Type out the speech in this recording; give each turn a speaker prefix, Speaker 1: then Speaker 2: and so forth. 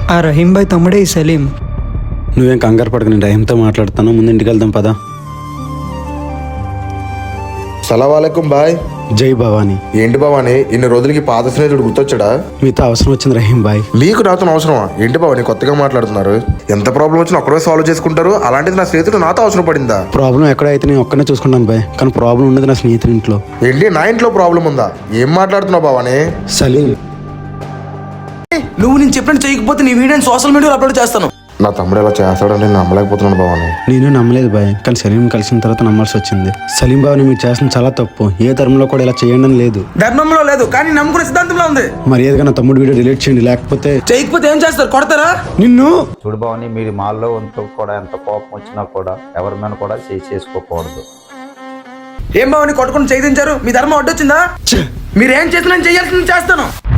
Speaker 1: ఆ రహీం భాయ్ తమ్ముడే ఈ సలీం.
Speaker 2: నువ్వేం కంగారు పడక, నేను రహీంతో మాట్లాడతాను. ముందు ఇంటికి వెళ్దాం పదా.
Speaker 3: సలాంవాలేకుం బాయ్.
Speaker 2: జై భవానీ.
Speaker 3: ఏంటి భవాని, ఇన్ని రోజులకి పాత స్నేహితుడు గుర్తొచ్చాడా?
Speaker 2: మీతో అవసరం వచ్చింది రహీం భాయ్.
Speaker 3: నీకు నాతో అవసరమా? ఏంటి భవాని కొత్తగా మాట్లాడుతున్నారు? ఎంత ప్రాబ్లం వచ్చినా ఒక్కడే సాల్వ్ చేసుకుంటారు, అలాంటిది నా స్నేహితుడు నాతో అవసరం పడిందా?
Speaker 2: ప్రాబ్లం ఎక్కడైతే నేను ఒక్కనే చూసుకుంటాను బాయ్, కానీ ప్రాబ్లం ఉన్నది నా స్నేహితుడి ఇంట్లో.
Speaker 3: ఏంటి నా ఇంట్లో ప్రాబ్లం ఉందా? ఏం మాట్లాడుతున్నావు భవాని?
Speaker 2: సలీం,
Speaker 4: నువ్వు నేను చెప్పినట్టు చేయకపోతే నీ వీడియోని సోషల్ మీడియాలో అప్లోడ్ చేస్తాను.
Speaker 3: నా తమ్ముడు ఇలా చేస్తాడని నేను నమ్మలేకపోతున్నాను భవాని.
Speaker 2: నేను నమ్మలేదు బాయ్, కానీ సలీం కలిసిన తర్వాత నమ్మాల్సి వచ్చింది. సలీం బాబుని మీరు చేసిన చాలా తప్పు. ఏ ధర్మంలో కూడా ఇలా చేయండి అని లేదు.
Speaker 4: ధర్మంలో లేదు, కానీ నమ్ముకునే సిద్ధాంతంలో ఉంది.
Speaker 2: మర్యాదగా నా తమ్ముడు వీడియో డిలీట్ చేయండి, లేకపోతే
Speaker 4: చేయకపోతే ఏం చేస్తారు? కొడతారా?
Speaker 2: నిన్ను.
Speaker 5: చూడు భవాని, మీరు మాల్లో ఉంటూ కూడా ఎంత కోపం వచ్చినా కూడా ఎవరి మీద కూడా చేసుకోకూడదు.
Speaker 4: ఏం బావని కొట్టుకుని చేయించారు? మీ ధర్మం అడ్డొచ్చిందా? మీరేం చేసినా నేను చేయాల్సింది చేస్తాను.